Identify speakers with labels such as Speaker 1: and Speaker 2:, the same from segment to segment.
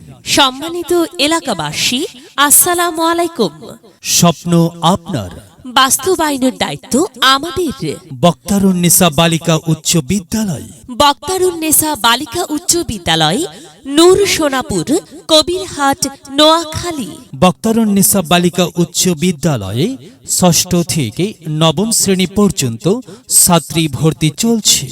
Speaker 1: সম্মানিত এলাকাবাসী, আসসালামু আলাইকুম।
Speaker 2: স্বপ্ন আপনার,
Speaker 1: বাস্তবায়নের দায়িত্ব আমাদের।
Speaker 2: বক্তারুন্নেসা বালিকা উচ্চ বিদ্যালয়,
Speaker 1: বক্তারুন্নেসা বালিকা উচ্চ বিদ্যালয়, নূর সোনাপুর, কবিরহাট, নোয়াখালী।
Speaker 2: বক্তারুন্নেসা বালিকা উচ্চ বিদ্যালয়ে ষষ্ঠ থেকে নবম শ্রেণী পর্যন্ত ছাত্রী ভর্তি চলছে।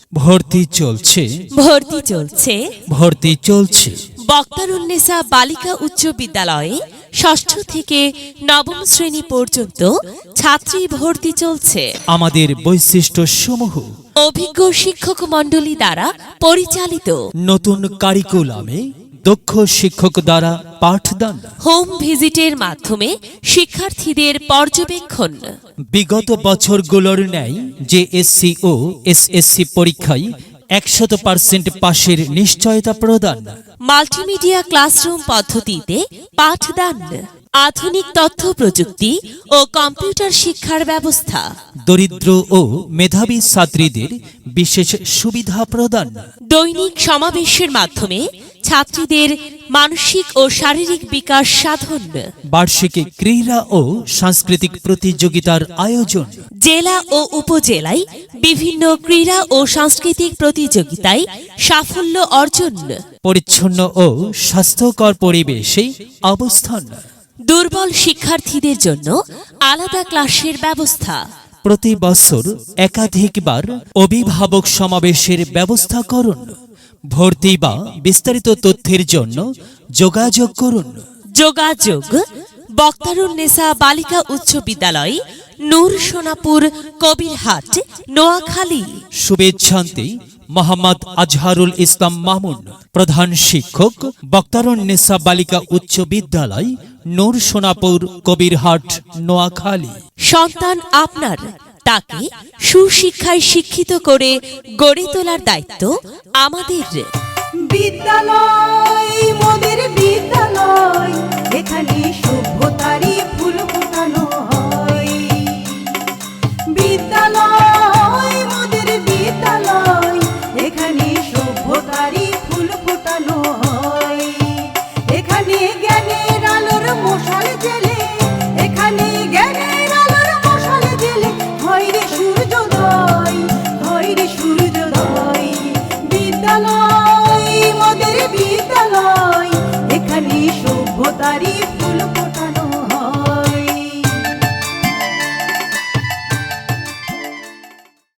Speaker 1: বক্তারুন্নেসা বালিকা উচ্চ বিদ্যালয়ে ষষ্ঠ থেকে নবম শ্রেণী পর্যন্ত ছাত্রী ভর্তি চলছে।
Speaker 2: আমাদের বৈশিষ্ট্য সমূহ:
Speaker 1: অভিজ্ঞ শিক্ষক মণ্ডলী দ্বারা পরিচালিত,
Speaker 2: নতুন কারিকুলামে দক্ষ শিক্ষক দ্বারা পাঠদান,
Speaker 1: হোম ভিজিটের মাধ্যমে শিক্ষার্থীদের পর্যবেক্ষণ,
Speaker 2: বিগত বছরগুলোর ন্যায় জেএসসি ও এসএসসি পরীক্ষায় 100% পাশের নিশ্চয়তা প্রদান,
Speaker 1: মাল্টিমিডিয়া ক্লাসরুম পদ্ধতিতে পাঠদান, আধুনিক তথ্য প্রযুক্তি ও কম্পিউটার শিক্ষার ব্যবস্থা,
Speaker 2: দরিদ্র ও মেধাবী ছাত্রীদের বিশেষ সুবিধা প্রদান,
Speaker 1: দৈনিক সমাবেশের মাধ্যমে ছাত্রীদের মানসিক ও শারীরিক বিকাশ সাধন,
Speaker 2: বার্ষিক ক্রীড়া ও সাংস্কৃতিক প্রতিযোগিতার আয়োজন,
Speaker 1: জেলা ও উপজেলায় বিভিন্ন ক্রীড়া ও সাংস্কৃতিক প্রতিযোগিতায় সাফল্য অর্জন,
Speaker 2: পরিচ্ছন্ন ও স্বাস্থ্যকর পরিবেশে অবস্থান,
Speaker 1: দুর্বল শিক্ষার্থীদের জন্য আলাদা ক্লাসের ব্যবস্থা,
Speaker 2: প্রতি বছর একাধিকবার অভিভাবক সমাবেশের ব্যবস্থা করুন। ভর্তি বা বিস্তারিত তথ্যের জন্য যোগাযোগ করুন।
Speaker 1: যোগাযোগ: বক্তারুন্নেসা বালিকা উচ্চ বিদ্যালয়, নূর সোনাপুর, কবিরহাট, নোয়াখালী।
Speaker 2: শুভেচ্ছান্তে মোহাম্মদ আজহারুল ইসলাম মামুন, প্রধান শিক্ষক, বক্তারুন্নেসা বালিকা উচ্চ বিদ্যালয়, নূর সোনাপুর, কবিরহাট, নোয়াখালী।
Speaker 1: সন্তান আপনার, তাকে সুশিক্ষায় শিক্ষিত করে গড়ে তোলার দায়িত্ব আমাদের।
Speaker 3: বিদ্যালয় মোদের বিদ্যালয়, এখানে সভ্যতারই ফুল ফোটানো হয়। বিদ্যালয় মোদের বিদ্যালয়, এখানে সভ্যতারই ফুল ফোটানো হয়। এখানে জ্ঞানের আলোর মশাল জেলে, এখানে জ্ঞানের আলোর মশাল জেলে হয় রে সূর্যোদয়, হয় রে সূর্যোদয়। বিদ্যালয় মোদের বিদ্যালয়, এখানে সভ্যতারই